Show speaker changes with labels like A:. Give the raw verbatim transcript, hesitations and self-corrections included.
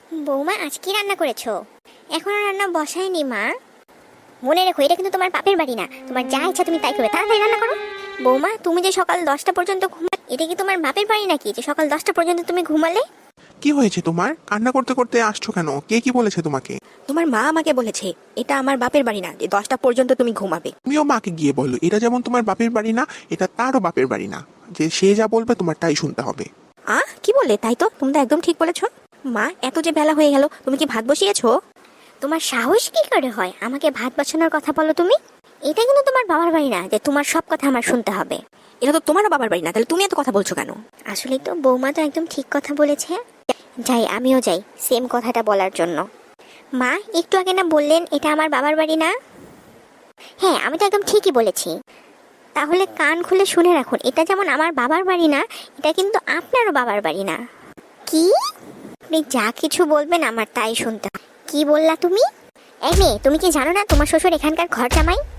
A: বৌমা আজ কি রান্না করেছো? এখনো রান্না বসায়নি মা। মনে রেখো এটা কিন্তু তোমার বাপের বাড়ি না, তোমার যা ইচ্ছা তুমি তাই করবে, তাড়াতাড়ি রান্না করো। বৌমা তুমি যে সকাল দশটা পর্যন্ত ঘুমা, এটা কি তোমার বাপের বাড়ি নাকি যে সকাল দশটা পর্যন্ত তুমি ঘুমালে?
B: কি হয়েছে তোমার? কান্না করতে করতে আসছো কেন? কে কি বলেছে তোমাকে?
C: তোমার মা আমাকে বলেছে এটা আমার বাপের বাড়ি না, যে দশটা পর্যন্ত তুমি ঘুমাবে।
B: তুমিও মাকে গিয়ে বলো এটা যেমন তোমার বাপের বাড়ি না, এটা তারও বাপের বাড়ি না, যে সে যা বলবে তোমার তাই শুনতে হবে।
C: আ কি বললে? তাই তো, তুমি তো একদম ঠিক বলেছো। মা এত যে বেলা হয়ে গেল, তুমি কি ভাত বসিয়েছো?
A: তোমার সাহস কি করে হয় আমাকে ভাত বাঁচানোর কথা বলো তুমি? এটা কিন্তু তোমার বাবার বাড়ি না যে তোমার সব কথা আমার শুনতে হবে।
C: এটা তো তোমারও বাবার বাড়ি না, তাহলে তুমি এত কথা বলছো কেন?
A: আসলে তো বৌমা তো একদম ঠিক কথা বলেছে। যাই, আমিও যাই সেম কথাটা বলার জন্য। মা একটু আগে না বললেন এটা আমার বাবার বাড়ি না? হ্যাঁ আমি তো একদম ঠিকই বলেছি। তাহলে কান খুলে শুনে রাখুন, এটা যেমন আমার বাবার বাড়ি না, এটা কিন্তু আপনারও বাবার বাড়ি না। কি? আপনি যা কিছু বলবেন আমার তাই শুনতে হবে। কি বললা তুমি? এই মেয়ে, তুমি কি জানো না তোমার শ্বশুর এখানকার ঘর জামাই?